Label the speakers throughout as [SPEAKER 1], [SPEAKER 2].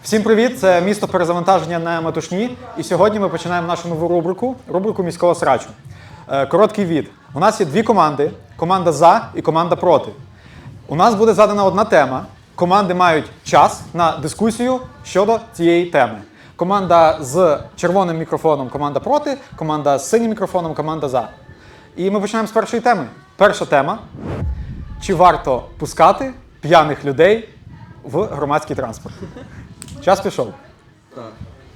[SPEAKER 1] Всім привіт! Це місто перезавантаження на Метушні. І сьогодні ми починаємо нашу нову рубрику міського срачу. Короткий від. У нас є дві команди. Команда «За» і команда «Проти». У нас буде задана одна тема. Команди мають час на дискусію щодо цієї теми. Команда з червоним мікрофоном – команда «Проти», команда з синім мікрофоном – команда «За». І ми починаємо з першої теми. Перша тема – чи варто пускати п'яних людей в громадський транспорт? Час пішов.
[SPEAKER 2] Так.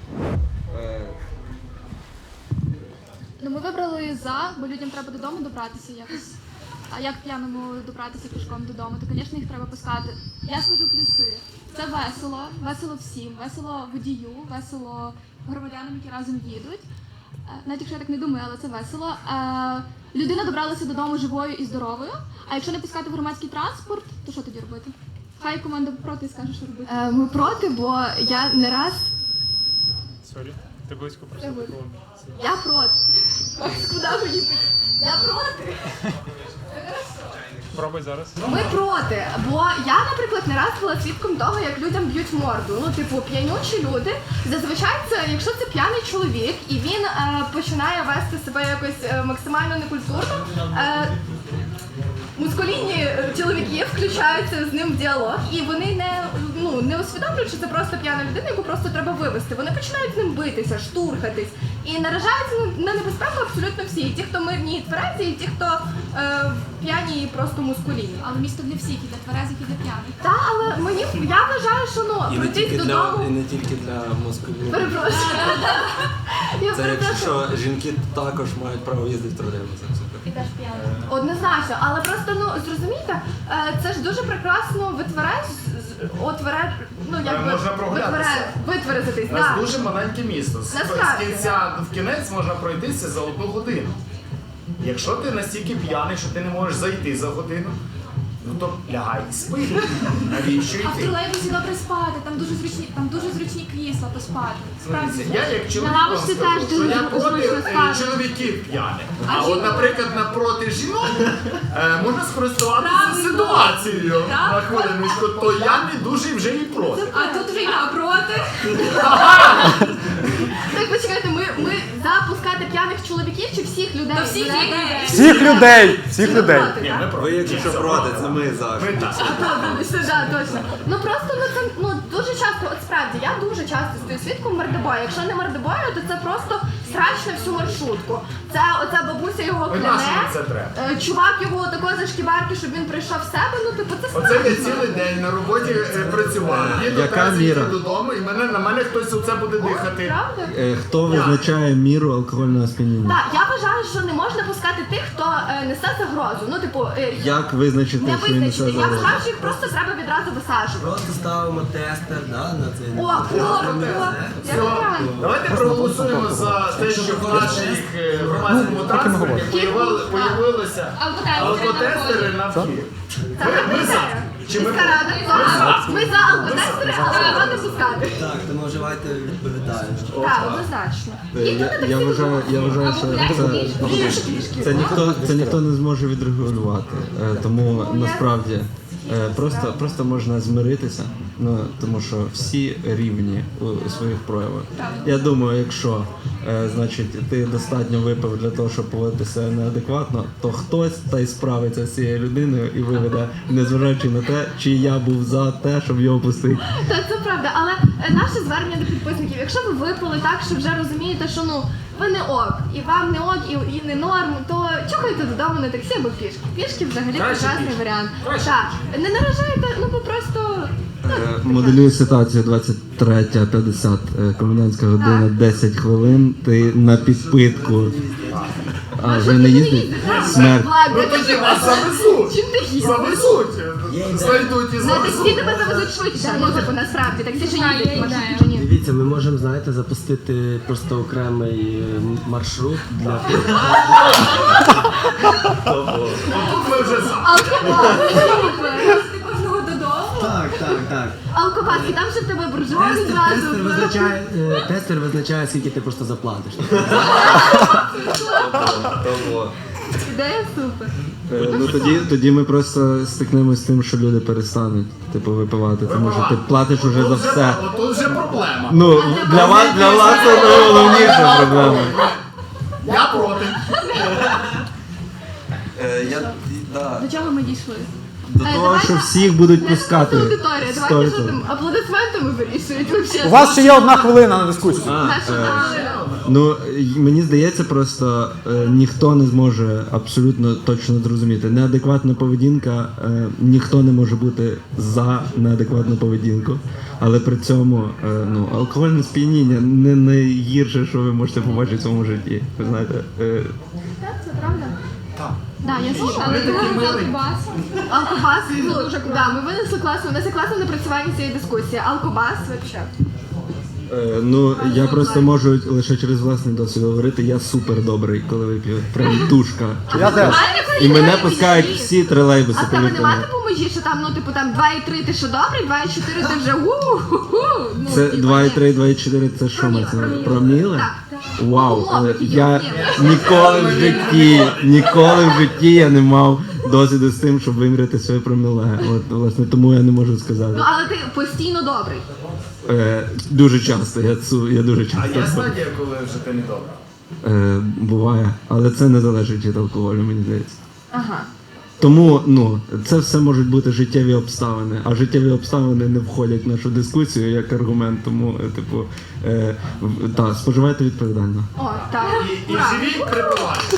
[SPEAKER 3] Ну, ми вибрали «За», бо людям треба додому добратися якось. А як п'яному добратися пішком додому, то, звісно, їх треба пускати. Я скажу плюси. Це весело, весело всім, весело водію, весело громадянам, які разом їдуть. Навіть якщо я так не думаю, але це весело. Людина добралася додому живою і здоровою, а якщо не пускати в громадський транспорт, то що тоді робити? Хай команда проти скаже, що робити.
[SPEAKER 4] Ми проти, бо я не раз...
[SPEAKER 5] Сорі, ти близько просив мікрофон.
[SPEAKER 4] Я проти. Куди ви їдете? Я проти.
[SPEAKER 5] Пробуй зараз.
[SPEAKER 4] Ми проти, бо я, наприклад, не раз була свідком того, як людям б'ють морду. Ну, типу, п'янючі люди. Зазвичай це, якщо це п'яний чоловік, і він починає вести себе якось максимально некультурно, мускулінні чоловіки включаються з ним в діалог, і вони не усвідомлюють, що це просто п'яна людина, яку просто треба вивести. Вони починають з ним битися, штурхатись і наражаються на небезпеку абсолютно всі. І ті, хто мирні і тверезі, і ті, хто п'яні і просто мускулінні.
[SPEAKER 3] Але місто для всіх, і для тверезих, і для п'яних.
[SPEAKER 4] Так, але я вважаю, що пройтись додому...
[SPEAKER 2] І не тільки для мозкові.
[SPEAKER 4] Перепрошую. Я
[SPEAKER 2] Це
[SPEAKER 4] перепрошую.
[SPEAKER 2] якщо жінки також мають право їздити в тролейбусах.
[SPEAKER 3] І теж п'яних.
[SPEAKER 4] Однозначно, але просто, зрозумійте, це ж дуже прекрасно
[SPEAKER 6] Можна прогулятися.
[SPEAKER 4] витверезитись.
[SPEAKER 6] У нас дуже маленьке місто. З
[SPEAKER 4] Насправді,
[SPEAKER 6] кінця в кінець можна пройтися за 1 годину. Якщо ти настільки п'яний, що ти не можеш зайти за годину, ну то лягай і спи. Навіщо
[SPEAKER 3] А в
[SPEAKER 6] йти?
[SPEAKER 3] тролейбусі добре спати, там дуже зручні крісла поспати. Справді.
[SPEAKER 6] Я як чоловік
[SPEAKER 4] На
[SPEAKER 6] вам
[SPEAKER 4] лавочці
[SPEAKER 6] скажу,
[SPEAKER 4] теж
[SPEAKER 6] що
[SPEAKER 4] дуже
[SPEAKER 6] я проти
[SPEAKER 4] зручно спати.
[SPEAKER 6] чоловіків п'яних.
[SPEAKER 3] А
[SPEAKER 6] А от,
[SPEAKER 3] жінок?
[SPEAKER 6] наприклад, напроти жінок можна скористуватися ситуацією на хвилиночку, то я не дуже вже і проти.
[SPEAKER 3] А тут вже я проти.
[SPEAKER 4] Так, почекайте, ми запускати п'яних чоловіків чи всіх людей?
[SPEAKER 3] Та всіх людей.
[SPEAKER 1] Всіх людей! Всіх людей!
[SPEAKER 4] Проти,
[SPEAKER 6] Ні,
[SPEAKER 4] так?
[SPEAKER 6] ми проти.
[SPEAKER 2] Ви, якщо проти, це ми за.
[SPEAKER 6] Ми так.
[SPEAKER 4] Так, точно. Ну просто це дуже часто, от справді, я дуже часто стою свідком мордобою. Якщо не мордобою, то це просто срач на всю маршрутку. Це оця бабуся його
[SPEAKER 6] Ой, нащо
[SPEAKER 4] кляне,
[SPEAKER 6] мені це треба?
[SPEAKER 4] чувак його тако за шкібарки, щоб він прийшов в себе, це
[SPEAKER 6] Оце
[SPEAKER 4] справді.
[SPEAKER 6] я цілий день на роботі працював. Їду
[SPEAKER 2] Яка
[SPEAKER 6] зараз
[SPEAKER 2] міра?
[SPEAKER 6] додому і на мене хтось оце буде дихати.
[SPEAKER 4] Правда?
[SPEAKER 2] Хто визначає міру алкогольного сп'яніння?
[SPEAKER 4] Так, я вважаю, що не можна пускати тих, хто несе загрозу.
[SPEAKER 2] Як визначити,
[SPEAKER 4] не
[SPEAKER 2] що він несе
[SPEAKER 4] визначити. Я
[SPEAKER 2] загрозу?
[SPEAKER 4] вважаю, що їх просто треба відразу висаджувати.
[SPEAKER 7] Просто ставимо тестер, да, на цей
[SPEAKER 4] О, я вибираю.
[SPEAKER 6] Давайте проголосуємо за те, що в наших громадському транспорті появилися алкотестери на вхід. Ми за. Чи ми
[SPEAKER 4] Міська рада. Ми за алкотестери, але його не пускати.
[SPEAKER 7] Так, тому вживайте відповідально.
[SPEAKER 4] Так, однозначно. І тут не
[SPEAKER 2] Я вважаю, що це ніхто не зможе відрегулювати. Тому насправді просто можна змиритися, тому що всі рівні у своїх проявах. Я думаю, якщо значить, ти достатньо випив для того, щоб поводитися неадекватно, то хтось та й справиться з цією людиною і виведе, незважаючи на те, чи я був за те, щоб його пустити.
[SPEAKER 4] Так, це правда, але наше звернення до підписників, якщо ви випили так, що вже розумієте, що ви не ок, і вам не ок, і не норм, то чухайте додому на таксі або пішки. Пішки взагалі прекрасний варіант. Так, не наражайте, ви просто...
[SPEAKER 2] Моделюю ситуацію 23:50, комендантська година, 10 хвилин, ти на підпитку. А, вже не їздить? Смерть.
[SPEAKER 6] Ну тоді вас завезуть.
[SPEAKER 4] Чим ти їздиш?
[SPEAKER 6] Завезуть. Знайдуть і
[SPEAKER 4] На
[SPEAKER 6] завезуть.
[SPEAKER 4] таксі тебе завезуть швидше, насправді, таксі ще їздять, маршрутки вже ні.
[SPEAKER 7] Дивіться, ми можемо, знаєте, запустити просто окремий маршрут для
[SPEAKER 6] Тут ми вже за.
[SPEAKER 4] Кожного додому.
[SPEAKER 7] Так.
[SPEAKER 4] Алкопас, і там ще в тебе буржуазі зразу.
[SPEAKER 7] Тестер визначає, скільки ти просто заплатиш.
[SPEAKER 4] Ідея супер.
[SPEAKER 2] Ну тоді ми просто стикнемось з тим, що люди перестануть типу випивати, тому що ти платиш уже за все.
[SPEAKER 6] Отут вже проблема.
[SPEAKER 2] Ну для вас це найголовніша проблема.
[SPEAKER 6] Я проти.
[SPEAKER 3] До чого ми дійшли?
[SPEAKER 2] До того, що всіх будуть пускати.
[SPEAKER 4] Аудиторія, давайте
[SPEAKER 2] 100%.
[SPEAKER 4] що там аплодисментами вирішують вообще.
[SPEAKER 1] У вас ще є 1 хвилина на дискусію.
[SPEAKER 2] Ну мені здається, просто ніхто не зможе абсолютно точно зрозуміти. Неадекватна поведінка, ніхто не може бути за неадекватну поведінку. Але при цьому ну, алкогольне сп'яніння не найгірше, що ви можете побачити в своєму житті. Ви знаєте,
[SPEAKER 3] Це правда? Так, я слухала, але
[SPEAKER 6] такий
[SPEAKER 3] ти
[SPEAKER 6] милий.
[SPEAKER 3] Алкобас.
[SPEAKER 4] Алкобас, ну, да, ми винесли класно, у нас є класне напрацювання цієї дискусії. Алкобас, вообще.
[SPEAKER 2] ну я просто можу лише через власний досвід говорити, я супер добрий, коли вип'ю. Прям душка.
[SPEAKER 1] Я теж.
[SPEAKER 2] І мене пускають всі тролейбуси,
[SPEAKER 4] А в тебе
[SPEAKER 2] повірте
[SPEAKER 4] немає
[SPEAKER 2] мені.
[SPEAKER 4] типу межі, що там, ну, типу, там 2,3 ти що добрий, 2,4 ти вже у-ху-ху. Ну,
[SPEAKER 2] Це
[SPEAKER 4] типу,
[SPEAKER 2] 2,3, 2,4 це що ми це? Проміли?
[SPEAKER 4] Так.
[SPEAKER 2] Вау,
[SPEAKER 4] Умовно,
[SPEAKER 2] я
[SPEAKER 4] ні.
[SPEAKER 2] ніколи в житті я не мав досвіду з тим, щоб виміряти своє проміле. От, власне, тому я не можу сказати.
[SPEAKER 4] Ну, але ти постійно добрий.
[SPEAKER 2] Дуже часто, я дуже
[SPEAKER 6] А
[SPEAKER 2] часто.
[SPEAKER 6] є стадія, коли вже ти не добре.
[SPEAKER 2] Буває, але це не залежить від алкоголю, мені здається.
[SPEAKER 4] Ага.
[SPEAKER 2] Тому ну, це все можуть бути життєві обставини, а життєві обставини не входять в нашу дискусію як аргумент, тому, типу, так, споживайте відповідально.
[SPEAKER 4] О, так.
[SPEAKER 6] І живіть припивайте.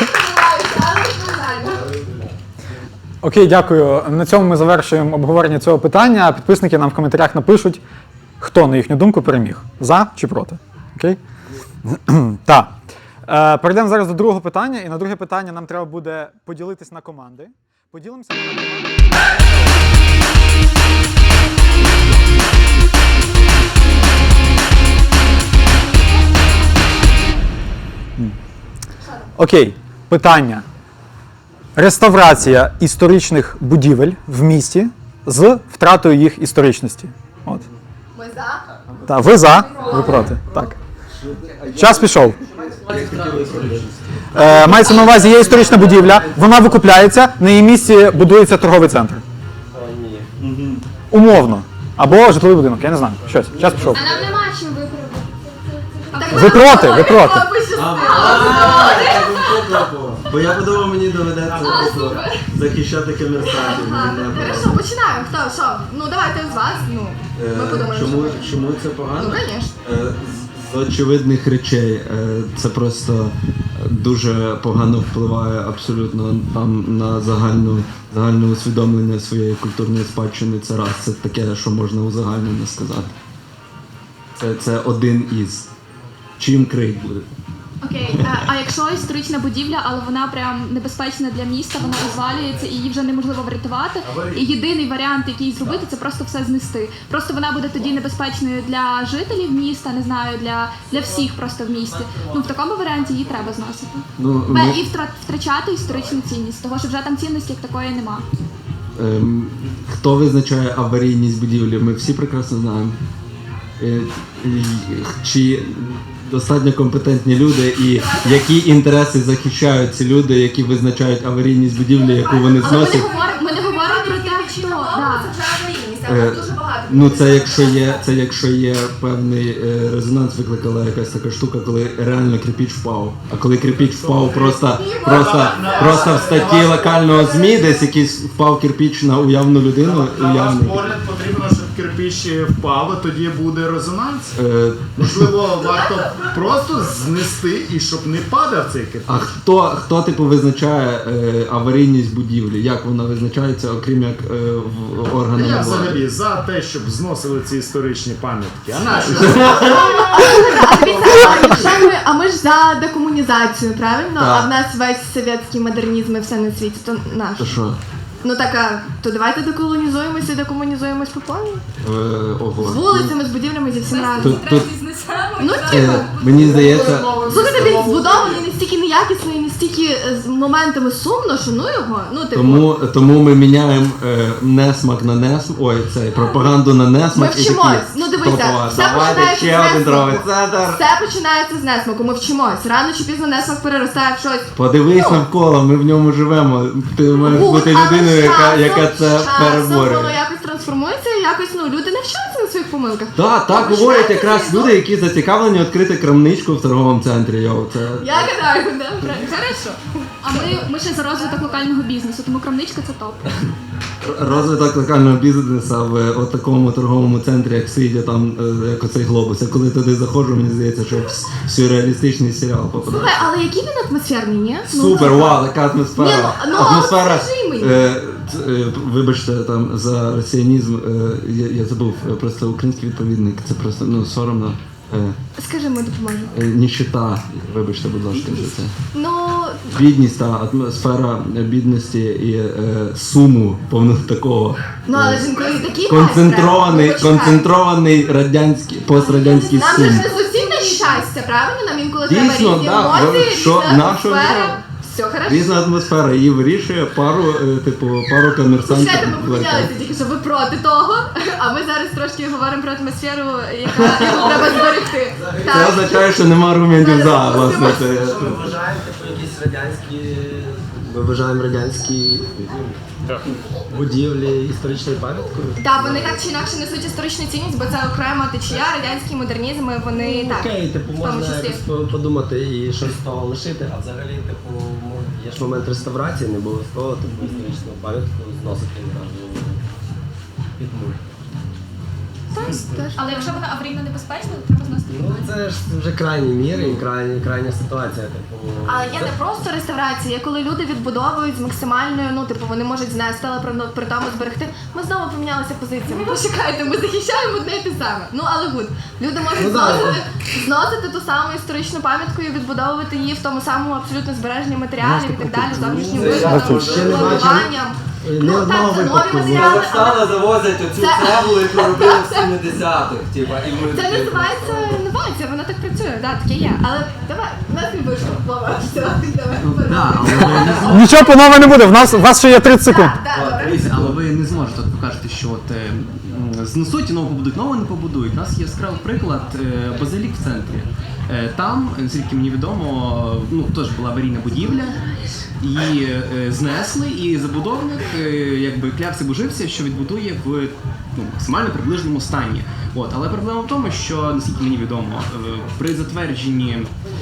[SPEAKER 1] Окей, дякую. На цьому ми завершуємо обговорення цього питання. Підписники нам в коментарях напишуть, хто, на їхню думку, переміг. За чи проти. Окей? Так. Перейдемо зараз до другого питання. І на друге питання нам треба буде поділитись на команди. Поділимося на команди. Окей, питання. Реставрація історичних будівель в місті з втратою їх історичності. От.
[SPEAKER 4] Ми за.
[SPEAKER 1] Так, ви за, ви проти. Так. Час пішов. Мається на увазі, є історична будівля, вона викупляється, на її місці будується торговий центр. Умовно. Або житловий будинок, я не знаю. Щось. Час пішов.
[SPEAKER 3] А нам нема чим виправдати.
[SPEAKER 1] Ви проти, ви проти.
[SPEAKER 2] Бо я подумав, мені доведеться просто захищати комерсантів.
[SPEAKER 4] Хорошо, починаємо. Хто, що? Ну, давайте з вас, ну, ми подумаємо.
[SPEAKER 2] Чому це погано?
[SPEAKER 4] Ну, звісно.
[SPEAKER 2] З очевидних речей. Це просто дуже погано впливає абсолютно там на загальне усвідомлення своєї культурної спадщини. Це раз. Це таке, що можна узагальнено сказати. Це один із. Чим крик буде?
[SPEAKER 3] Окей, а якщо історична будівля, але вона прям небезпечна для міста, вона розвалюється і її вже неможливо врятувати. І єдиний варіант, який зробити, це просто все знести. Просто вона буде тоді небезпечною для жителів міста, не знаю, для всіх просто в місті. Ну в такому варіанті її треба зносити. І втрачати історичну цінність, того що вже там цінності як такої нема.
[SPEAKER 2] Хто визначає аварійність будівлі? Ми всі прекрасно знаємо. Чи достатньо компетентні люди і які інтереси захищають ці люди, які визначають аварійність будівлі, яку вони
[SPEAKER 4] Але
[SPEAKER 2] зносять?
[SPEAKER 4] ми не говоримо про те, що... Да.
[SPEAKER 6] Це вже аварійність, але дуже багато.
[SPEAKER 2] Ну це якщо є певний резонанс, викликала якась така штука, коли реально кирпіч впав. А коли кирпіч впав просто в статті локального ЗМІ, десь якийсь впав кирпіч на уявну людину,
[SPEAKER 6] На ваш
[SPEAKER 2] уявний.
[SPEAKER 6] погляд потрібно, щоб кирпич впав, а тоді буде резонанс. Можливо, варто просто знести і щоб не падав цей кирпич.
[SPEAKER 2] А хто типу визначає аварійність будівлі? Як вона визначається, окрім як в органами
[SPEAKER 6] Я
[SPEAKER 2] влади?
[SPEAKER 6] взагалі за те, щоб зносили ці історичні пам'ятки. А наші
[SPEAKER 4] А ми ж за декомунізацію, правильно?
[SPEAKER 2] Так.
[SPEAKER 4] А в нас весь совєтський модернізм і все на світі, то наш.
[SPEAKER 2] То що?
[SPEAKER 4] Ну так, то давайте деколонізуємося і декомунізуємось по повній. З
[SPEAKER 2] Ого.
[SPEAKER 4] вулицями, з будівлями, зі всім разом.
[SPEAKER 2] Тут
[SPEAKER 4] Ну, типу.
[SPEAKER 2] мені здається,
[SPEAKER 4] Слухайте, він збудований настільки неякісний, і настільки з моментами сумно, що ну його, ну типу.
[SPEAKER 2] Тому ми міняємо несмак на несмак, пропаганду на
[SPEAKER 4] Ми
[SPEAKER 2] несмак і
[SPEAKER 4] вчимось.
[SPEAKER 2] такі.
[SPEAKER 4] Ну дивися,
[SPEAKER 2] топова.
[SPEAKER 4] все
[SPEAKER 2] Давайте
[SPEAKER 4] починається
[SPEAKER 2] ще один
[SPEAKER 4] з несмаку.
[SPEAKER 2] торговий центр.
[SPEAKER 4] Все починається з несмаку, ми вчимось. Рано чи пізно несмак переростає в щось.
[SPEAKER 2] Подивись навколо, ми в ньому живемо. Ти маєш бути
[SPEAKER 4] Але
[SPEAKER 2] людиною, яка це
[SPEAKER 4] з часом
[SPEAKER 2] переборює.
[SPEAKER 4] воно якось трансформується, і якось люди навчаються на своїх помилках.
[SPEAKER 2] Так говорять якраз люди, які зацікавлені відкрити крамничку в торговому центрі. Це...
[SPEAKER 4] Я гадаю, да, хорошо.
[SPEAKER 3] А ми ще за розвиток локального бізнесу, тому крамничка це топ.
[SPEAKER 2] Розвиток локального бізнесу в такому торговому центрі, як сидя там, як оцей глобус. Я коли туди заходжу, мені здається, що в сюрреалістичний серіал попадає.
[SPEAKER 4] Слухай, але який він атмосферний, ні?
[SPEAKER 2] Супер, вау, така атмосфера.
[SPEAKER 4] Ні, ну,
[SPEAKER 2] Атмосфера.
[SPEAKER 4] скажи мені.
[SPEAKER 2] Вибачте там за росіянізм, я забув просто український відповідник. Це просто соромно.
[SPEAKER 4] Скажи, ми допоможемо.
[SPEAKER 2] Ніщита, вибачте, будь ласка, за це.
[SPEAKER 4] Ну,
[SPEAKER 2] Бідність, атмосфера бідності і суму повного такого.
[SPEAKER 4] але ж інколи такі
[SPEAKER 2] Концентрований радянський, пострадянський
[SPEAKER 4] Нам
[SPEAKER 2] сум.
[SPEAKER 4] же ж не суцільне щастя, правильно? Нам інколи
[SPEAKER 2] Дійсно,
[SPEAKER 4] треба різні
[SPEAKER 2] да.
[SPEAKER 4] емоції,
[SPEAKER 2] Що
[SPEAKER 4] різна
[SPEAKER 2] нашого
[SPEAKER 4] атмосфера. Все хорошо.
[SPEAKER 2] Різна атмосфера, її вирішує пару комерсантів.
[SPEAKER 4] Слухайте, ми помінялися тільки, що ви проти того, а ми зараз трошки говоримо про атмосферу, яку треба зберегти.
[SPEAKER 2] Це означає, що нема аргументів за, власне. Це...
[SPEAKER 7] Ми вважаємо якісь радянські. Ми вважаємо радянські будівлі історичною пам'яткою.
[SPEAKER 4] Так, вони так чи інакше несуть історичну цінність, бо це окрема течія, радянський модернізм, і вони так.
[SPEAKER 7] Окей, типу,
[SPEAKER 4] в тому
[SPEAKER 7] можна
[SPEAKER 4] числі.
[SPEAKER 7] якось подумати і щось з того лишити, а взагалі, типу, є ж момент реставрації, не обов'язково типу, історичну пам'ятку зносити одразу під нуль.
[SPEAKER 3] Але якщо вона аварійно небезпечна, то треба зносити.
[SPEAKER 7] Ну це ж вже крайні міри і крайня ситуація. Типу,
[SPEAKER 4] Але є не просто реставрація, є коли люди відбудовують з максимальною, ну типу вони можуть знести, але при тому зберегти. Ми знову помінялися позиціями. Почекайте, ми захищаємо одне і те саме. Ну але гуд. Люди можуть зносити ту саму історичну пам'ятку і відбудовувати її в тому самому абсолютно збереженні матеріалі і так далі, зовнішнім виглядом, плануванням.
[SPEAKER 7] Ні одного
[SPEAKER 4] це нові
[SPEAKER 7] випадку.
[SPEAKER 4] матеріали.
[SPEAKER 8] Казахстана завозять оцю цеглу, яку робили в 70-х.
[SPEAKER 4] Це називається інновація, вона так працює, так, таке є. Але давай, у нас не вийшло, Вова, все, давай.
[SPEAKER 1] Нічого по-новому не буде, у вас ще є 30 секунд.
[SPEAKER 9] Дивіться, але ви не зможете ви кажете, що знесуть і нову побудують, нову не побудують. У нас є яскравий приклад Базилік в центрі. Там, наскільки мені відомо, теж була аварійна будівля, її знесли, і забудовник клявся божився, що відбудує в максимально приближеному стані. Але проблема в тому, що, наскільки мені відомо, при затвердженні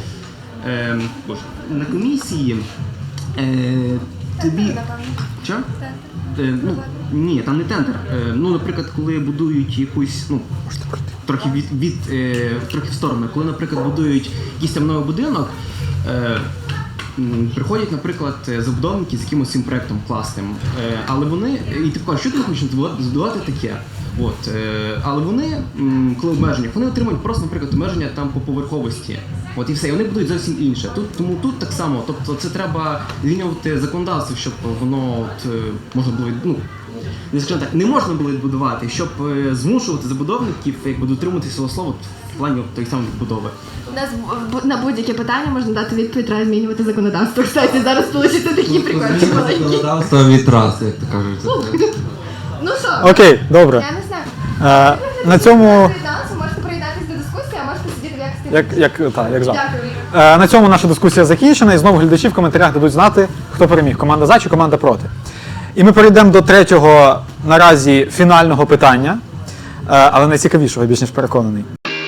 [SPEAKER 9] на комісії тобі... Що? Ні, там не тендер. Наприклад, коли будують якусь, трохи трохи в сторону, коли, наприклад, будують якийсь там новий будинок, приходять, наприклад, забудовники з якимось цим проєктом класним, але вони, і ти кажеш, що ти хочеш збудувати таке? Але вони, коли обмеження, вони отримують просто, наприклад, обмеження там по поверховості. І все, і вони будують зовсім інше. Тому тут так само, тобто це треба змінювати законодавство, щоб воно можна було, скажімо так, не можна було відбудувати, щоб змушувати забудовників дотримуватися свого слова в плані тої самої відбудови.
[SPEAKER 4] У нас на будь-яке питання можна дати відповідь, треба змінювати законодавство. Кстати, зараз вийде такі прикольні маленькі.
[SPEAKER 2] Законодавство від раз, як то кажуть.
[SPEAKER 4] Ну що?
[SPEAKER 1] Окей, добре.
[SPEAKER 4] Я не знаю.
[SPEAKER 1] На цьому...
[SPEAKER 4] Ви можете приєднатися до дискусії, а можете сидіти в якості.
[SPEAKER 1] Як завжди.
[SPEAKER 4] Дякую.
[SPEAKER 1] На цьому наша дискусія закінчена, і знову глядачі в коментарях дадуть знати, хто переміг, команда за чи команда проти. І ми перейдемо до третього, наразі, фінального питання, але найцікавішого, більш ніж переконаний.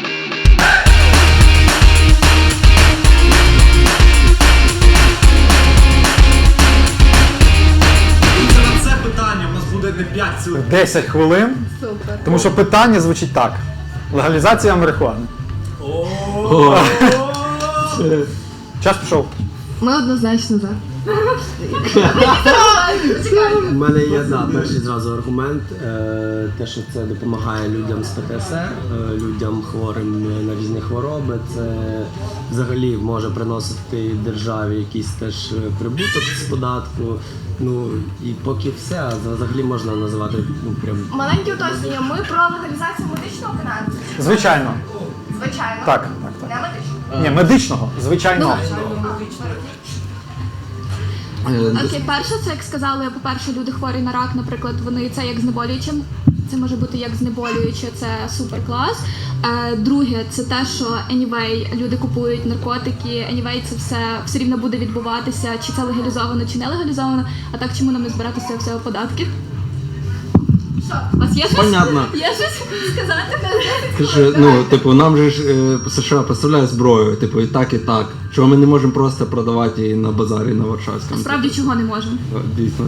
[SPEAKER 6] На це питання в нас буде не 5 цілих.
[SPEAKER 1] 10 хвилин,
[SPEAKER 4] Супер.
[SPEAKER 1] тому що питання звучить так. Легалізація марихуани. Час пішов.
[SPEAKER 4] Ми однозначно за.
[SPEAKER 7] У мене є перший зразу аргумент, те, що це допомагає людям з ПТСР, людям хворим на різні хвороби. Це взагалі може приносити державі якийсь теж прибуток з податку. І поки все, взагалі можна називати прям.
[SPEAKER 4] Маленьке уточнення. Ми про легалізацію медичного каналу.
[SPEAKER 1] Звичайно.
[SPEAKER 4] Звичайно.
[SPEAKER 1] Так.
[SPEAKER 4] Не медичного.
[SPEAKER 1] Ні, медичного, звичайно.
[SPEAKER 3] Окей, перше, це як сказали, по-перше, люди хворі на рак, наприклад, вони це як знеболюючим. Це може бути як знеболююче, це супер клас. Друге, це те, що anyway, люди купують наркотики, anyway, це все рівно буде відбуватися, чи це легалізовано, чи не легалізовано. А так чому нам не збирати з цього всього податки? Що? У вас є щось?
[SPEAKER 2] Понятно.
[SPEAKER 3] Є щось сказати?
[SPEAKER 2] Каже, ну, типу, нам же ж США поставляє зброю, типу, і так, і так. Чого ми не можемо просто продавати її на базарі на Варшавському?
[SPEAKER 3] Справді, чого не можемо?
[SPEAKER 2] Дійсно.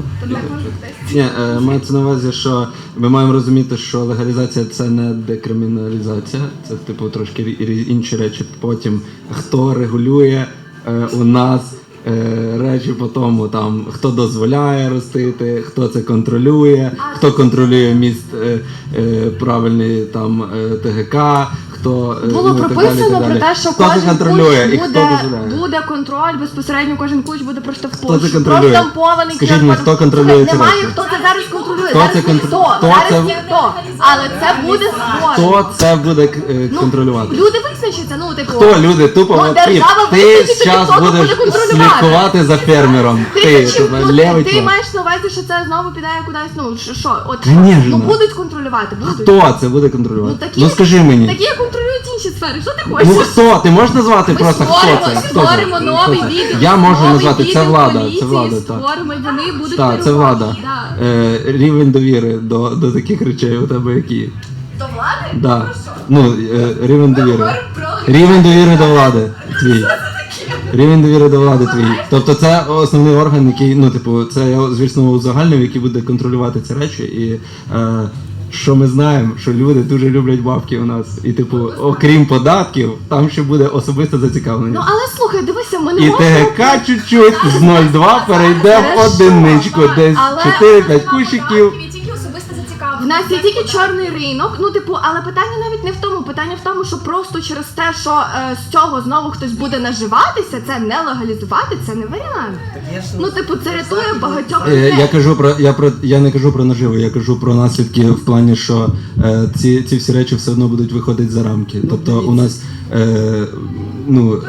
[SPEAKER 2] Ні, мається на увазі, що ми маємо розуміти, що легалізація це не декриміналізація, це типу трошки інші речі. Потім хто регулює у нас речі по тому, там хто дозволяє ростити, хто це контролює, хто контролює міст правильний там ТГК.
[SPEAKER 4] Було прописано про те, що
[SPEAKER 2] хто
[SPEAKER 4] кожен
[SPEAKER 2] це контролює і
[SPEAKER 4] кущ
[SPEAKER 2] хто дозволяє?
[SPEAKER 4] буде контроль, безпосередньо кожен кущ буде просто в
[SPEAKER 2] Хто це
[SPEAKER 4] пущі.
[SPEAKER 2] контролює?
[SPEAKER 4] Проштампований
[SPEAKER 2] Скажіть мені,
[SPEAKER 4] QR-код.
[SPEAKER 2] хто контролює ці
[SPEAKER 4] Немає,
[SPEAKER 2] речі?
[SPEAKER 4] хто це зараз контролює.
[SPEAKER 2] Хто
[SPEAKER 4] Зараз
[SPEAKER 2] це
[SPEAKER 4] ніхто.
[SPEAKER 2] хто
[SPEAKER 4] Зараз
[SPEAKER 2] це-
[SPEAKER 4] ніхто. Але це буде створено.
[SPEAKER 2] Хто це буде контролювати?
[SPEAKER 4] Люди визначаться, ну типу.
[SPEAKER 2] Хто люди? Тупо
[SPEAKER 4] Ну,
[SPEAKER 2] от
[SPEAKER 4] держава
[SPEAKER 2] ти
[SPEAKER 4] визначиться,
[SPEAKER 2] зараз
[SPEAKER 4] хто
[SPEAKER 2] будеш
[SPEAKER 4] буде контролювати.
[SPEAKER 2] слідкувати за фермером. Ти левий
[SPEAKER 4] Ти
[SPEAKER 2] чувак.
[SPEAKER 4] маєш на увазі, що це знову піде кудись, ну що, от
[SPEAKER 2] Конечно.
[SPEAKER 4] ну будуть контролювати, будуть.
[SPEAKER 2] Хто це буде контролювати? Ну скажи мені.
[SPEAKER 4] Такі контролюють інші сфери. Що ти хочеш?
[SPEAKER 2] Ну хто? Ти можеш назвати
[SPEAKER 4] Ми
[SPEAKER 2] просто хто
[SPEAKER 4] створимо,
[SPEAKER 2] це? Хто
[SPEAKER 4] створимо
[SPEAKER 2] це?
[SPEAKER 4] новий
[SPEAKER 2] Хто це?
[SPEAKER 4] відділ.
[SPEAKER 2] Я можу
[SPEAKER 4] новий
[SPEAKER 2] назвати, це
[SPEAKER 4] відділ
[SPEAKER 2] влада.
[SPEAKER 4] поліції,
[SPEAKER 2] Це влада, так.
[SPEAKER 4] Створимо, і вони будуть
[SPEAKER 2] Так, це
[SPEAKER 4] керувати.
[SPEAKER 2] влада.
[SPEAKER 4] Да.
[SPEAKER 2] Рівень довіри до таких речей у тебе який?
[SPEAKER 4] До влади?
[SPEAKER 2] Да. Ну, рівень довіри.
[SPEAKER 4] говоримо про-
[SPEAKER 2] Рівень довіри до влади твій. Рівень довіри до влади твій. Тобто це основний орган, який, ну, типу, це я, звісно, узагальнив, який буде контролювати ці речі. І що ми знаємо, що люди дуже люблять бабки у нас. І, типу, окрім податків, там ще буде особисте зацікавлення.
[SPEAKER 4] Ну але слухай, дивися, ми не
[SPEAKER 2] І
[SPEAKER 4] можемо...
[SPEAKER 2] ТГК чуть-чуть з 0,2 перейде в
[SPEAKER 4] Хорошо,
[SPEAKER 2] одиничку, десь
[SPEAKER 4] але-
[SPEAKER 2] 4-5 кущиків.
[SPEAKER 4] В нас є тільки чорний ринок, ну типу, але питання навіть не в тому. Питання в тому, що просто через те, що з цього знову хтось буде наживатися, це не легалізувати, це не варіант. Ну, типу, це рятує багатьох людей.
[SPEAKER 2] Я не кажу про наживу, я кажу про наслідки в плані, що ці всі речі все одно будуть виходити за рамки. Тобто у нас, ну,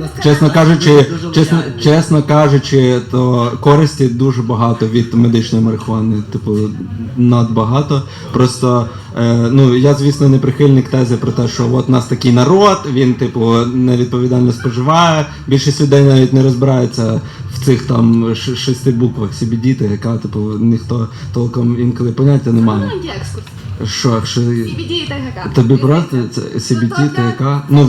[SPEAKER 2] чесно кажучи, то користі дуже багато від медичної марихуани, типу, надбагато. Просто, ну, я, звісно, не прихильник тези про те, що от у нас такий народ, він, типу, невідповідально споживає. Більшість людей навіть не розбирається в цих там 6 буквах CBD, ТГК, типу, ніхто толком інколи поняття не має.
[SPEAKER 4] Маленький екскурс.
[SPEAKER 2] Що,
[SPEAKER 4] CBD і ТГК.
[SPEAKER 2] тобі просто це CBD, ТГК? Ну,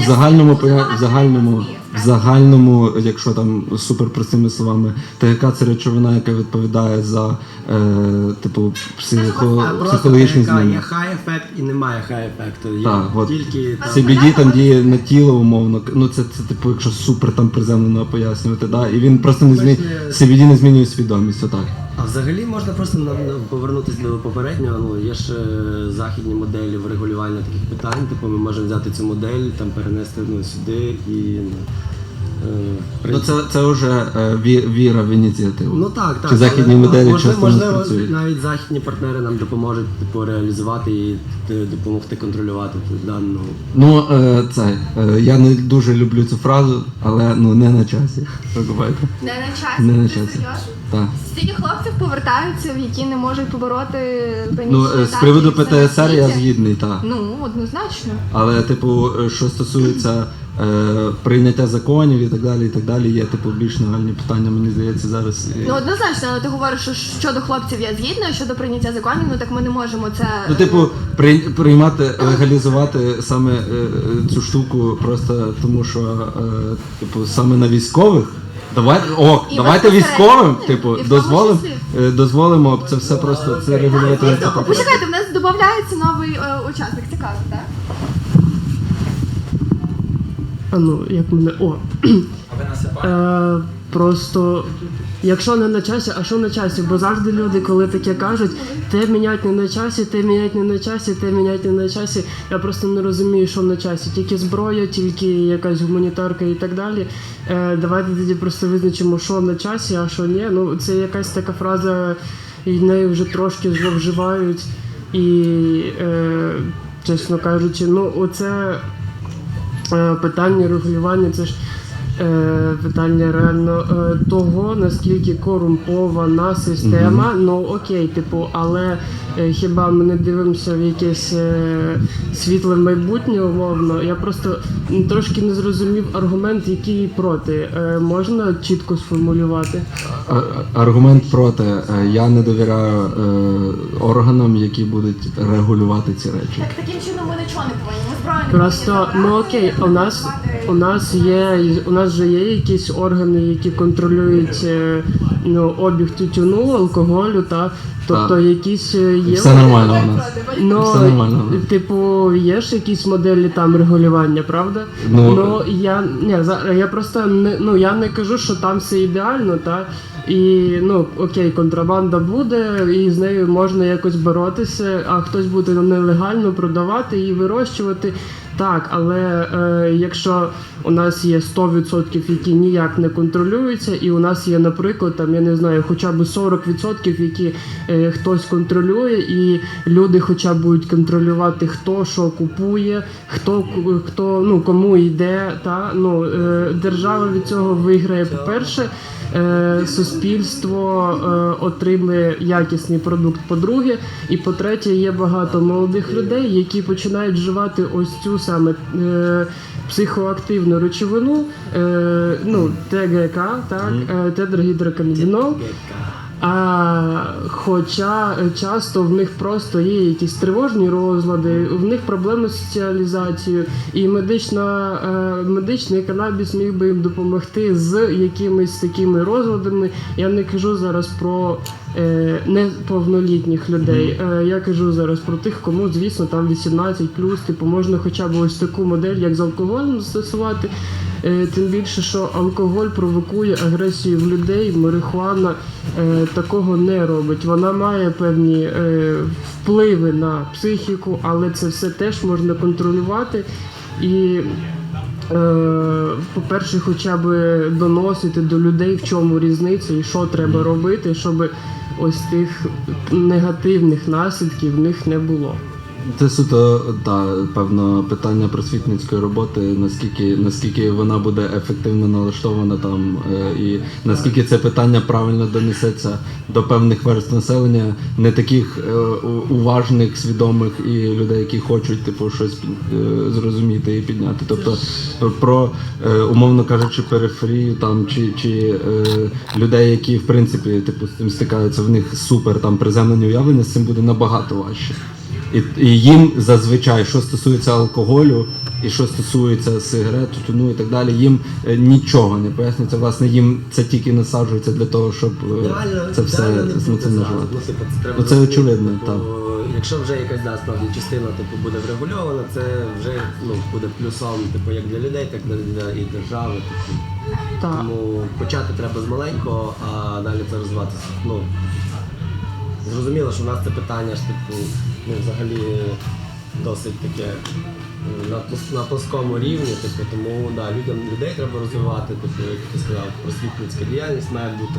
[SPEAKER 2] в загальному, якщо там супер простими словами, ТГК це речовина, яка відповідає за, типу, психологічні зміни.
[SPEAKER 7] Є хай-ефект і немає хай-ефекту. Є
[SPEAKER 2] Так, от.
[SPEAKER 7] тільки...
[SPEAKER 2] CBD там діє на тіло умовно. Ну це типу, якщо супер там приземлено пояснювати, да? І він просто не змінює, CBD не змінює свідомість, отак.
[SPEAKER 7] А взагалі можна просто повернутися до попереднього. Ну, є ж західні моделі врегулювання таких питань. Типу ми можемо взяти цю модель, там перенести сюди і...
[SPEAKER 2] Ну це вже віра в ініціативу.
[SPEAKER 7] Ну так.
[SPEAKER 2] Чи західні моделі часто не
[SPEAKER 7] можливо,
[SPEAKER 2] працюють?
[SPEAKER 7] навіть західні партнери нам допоможуть типу, реалізувати і допомогти контролювати дану.
[SPEAKER 2] Ну, я не дуже люблю цю фразу, але ну не на часі. Розумієте?
[SPEAKER 4] Не на часі.
[SPEAKER 2] Не на
[SPEAKER 4] Ти
[SPEAKER 2] часі.
[SPEAKER 4] серйозно?
[SPEAKER 2] Так.
[SPEAKER 4] Стільки хлопців повертаються, які не можуть побороти
[SPEAKER 2] Ну,
[SPEAKER 4] панічні
[SPEAKER 2] з приводу
[SPEAKER 4] атаки, це
[SPEAKER 2] ПТСР я
[SPEAKER 4] наслідя.
[SPEAKER 2] згідний, так.
[SPEAKER 4] Ну, однозначно.
[SPEAKER 2] Але, типу, що стосується прийняття законів і так далі, є типу більш нагальні питання, мені здається, зараз.
[SPEAKER 4] Ну, однозначно, але ти говориш, що щодо хлопців я згідна, а щодо прийняття законів, ну так ми не можемо це...
[SPEAKER 2] Ну, типу, приймати, легалізувати саме цю штуку просто тому, що типу, саме на військових. Давайте військовим, типу,
[SPEAKER 4] І в тому числі.
[SPEAKER 2] дозволимо це все просто це регулювати.
[SPEAKER 4] Почекайте, в нас додається новий учасник, цікаво, так?
[SPEAKER 10] Ну, як мене. Просто. Якщо не на часі, а що на часі? Бо завжди люди, коли таке кажуть, те мінять не на часі, те мінять не на часі, те мінять не на часі. Я просто не розумію, що на часі. Тільки зброя, тільки якась гуманітарка і так далі. Давайте тоді просто визначимо, що на часі, а що ні. Ну, це якась така фраза, і нею вже трошки зловживають. І, чесно кажучи, ну, оце питання регулювання, це ж питання реально того, наскільки корумпована система. Ну окей, типу, але хіба ми не дивимося в якесь світле майбутнє, умовно. Я просто трошки не зрозумів аргумент, який проти. Можна чітко сформулювати?
[SPEAKER 2] Аргумент проти. Я не довіряю органам, які будуть регулювати ці речі.
[SPEAKER 4] Так таким чином ми нічого не повинні. Ми зброю не
[SPEAKER 10] Просто,
[SPEAKER 4] повинні
[SPEAKER 10] ну
[SPEAKER 4] забрати,
[SPEAKER 10] окей, у нас же є якісь органи, які контролюють обіг тютюну, алкоголю, та тобто
[SPEAKER 2] Так.
[SPEAKER 10] якісь є.
[SPEAKER 2] Все нормально у нас.
[SPEAKER 10] Ну,
[SPEAKER 2] Все нормально.
[SPEAKER 10] типу, є ж якісь моделі там регулювання, правда?
[SPEAKER 2] Ну,
[SPEAKER 10] Я просто я не кажу, що там все ідеально, та і окей, контрабанда буде, і з нею можна якось боротися, а хтось буде нелегально продавати і вирощувати. Так, але якщо у нас є 100%, які ніяк не контролюються, і у нас є, наприклад, там, я не знаю, хоча б 40%, які хтось контролює, і люди хоча б будуть контролювати, хто що купує, хто кому йде, держава від цього виграє, по-перше, суспільство отримує якісний продукт, по-друге, і по-третє, є багато молодих людей, які починають вживати ось цю саме психоактивну речовину, ТГК, тетрагідроканабінол. Хоча часто в них просто є якісь тривожні розлади, в них проблеми з соціалізацією, і медичний канабіс міг би їм допомогти з якимись такими розладами. Я не кажу зараз про неповнолітніх людей, я кажу зараз про тих, кому, звісно, там 18+, типу, можна хоча б ось таку модель, як з алкоголем застосувати. Тим більше, що алкоголь провокує агресію в людей, марихуана такого не робить. Вона має певні впливи на психіку, але це все теж можна контролювати. І, по-перше, хоча б доносити до людей, в чому різниця і що треба робити, щоб ось тих негативних наслідків в них не було.
[SPEAKER 2] Це суто, певно, питання просвітницької роботи, наскільки вона буде ефективно налаштована там, і наскільки це питання правильно донесеться до певних верств населення, не таких уважних, свідомих і людей, які хочуть щось зрозуміти і підняти. Тобто про, умовно кажучи, периферію там чи людей, які в принципі з цим стикаються, в них супер там приземлені уявлення, з цим буде набагато важче. І їм зазвичай, що стосується алкоголю і що стосується сигарет, тютюну і так далі, їм нічого не пояснюється. Власне, їм це тільки насаджується для того, щоб це все наживати. Це очевидно, так.
[SPEAKER 7] Якщо вже якась справді частина буде врегульована, це вже буде плюсом як для людей, так і для держави. Тому почати треба з маленького, а далі це розвиватися. Зрозуміло, що в нас це питання ж взагалі досить таке на плоскому рівні, тому людей треба розвивати, як ти сказав, просвітницька діяльність має бути.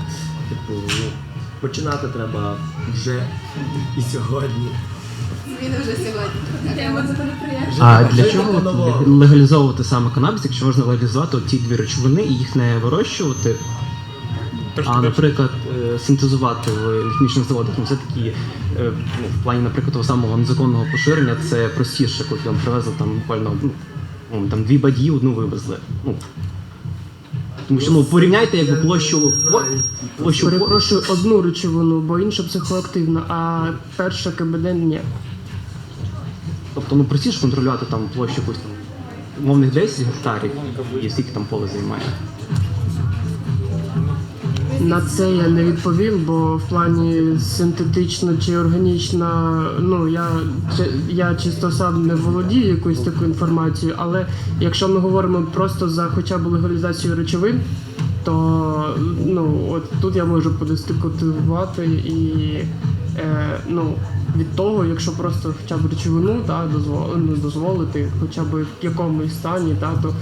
[SPEAKER 7] Починати треба вже і сьогодні.
[SPEAKER 4] Зміни вже сьогодні.
[SPEAKER 9] А для чого легалізовувати саме канабіс, якщо можна легалізувати ті дві речовини і їх не вирощувати? Наприклад, синтезувати в хімічних заводах, все-таки в плані, наприклад, того самого незаконного поширення це простіше, коли там привезли буквально 2 бадьї, одну вивезли. Тому що порівняйте площу.
[SPEAKER 10] Перепрошую, одну речовину, бо інша психоактивна, а перша КБД ні.
[SPEAKER 9] Тобто простіше контролювати площу якусь умовних 10 гектарів і скільки там поле займає.
[SPEAKER 10] На це я не відповів, бо в плані синтетично чи органічна, я чисто сам не володію якоюсь такою інформацією, але якщо ми говоримо просто за хоча б легалізацію речовин, то от тут я можу подискутувати і від того, якщо просто хоча б речовину дозволити, хоча б в якомусь стані, то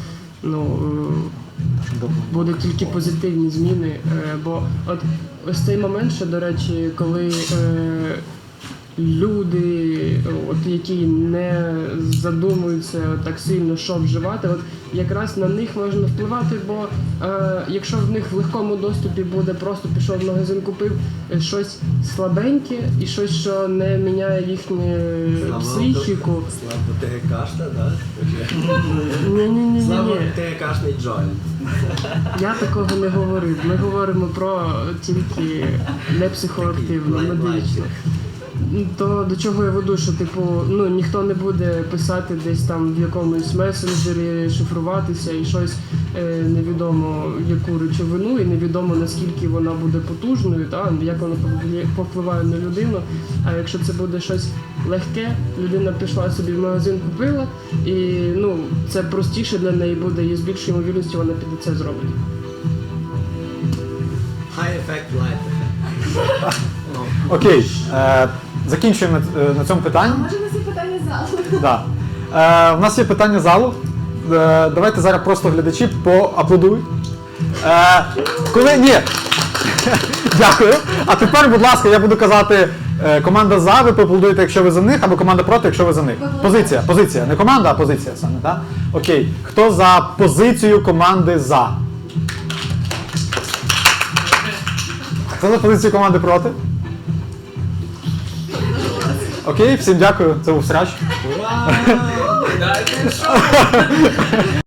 [SPEAKER 10] буде тільки позитивні зміни, бо ось цей момент ще, до речі, коли люди, які не задумуються так сильно, що вживати, якраз на них можна впливати, бо якщо в них в легкому доступі буде просто пішов в магазин, купив щось слабеньке і щось, що не міняє їхню психіку.
[SPEAKER 7] Слабо ТГКшна, так?
[SPEAKER 10] Ні.
[SPEAKER 7] Слабо ТГКшний джойнт.
[SPEAKER 10] Я такого не говорив. Ми говоримо про тільки не психоактивну, медичну. То до чого я веду, що ніхто не буде писати десь там в якомусь месенджері, шифруватися і щось невідомо яку речовину, і невідомо наскільки вона буде потужною, як вона повпливає на людину. А якщо це буде щось легке, людина пішла собі в магазин, купила, і це простіше для неї буде, і з більшою ймовірністю вона піде це зробить.
[SPEAKER 7] High effect, light effect.
[SPEAKER 1] Окей, закінчуємо на цьому питанні.
[SPEAKER 4] Може, у нас є питання з залу?
[SPEAKER 1] Да. У нас є питання з залу. Давайте зараз просто глядачі поаплодують. Ні. Дякую. А тепер, будь ласка, я буду казати команда за, ви поаплодуєте, якщо ви за них, або команда проти, якщо ви за них. Позиція. Не команда, а позиція саме, так? Окей. Хто за позицію команди за? Хто за позицію команди проти? Окей, всім дякую. Це був Срач.
[SPEAKER 6] Дайте шоу!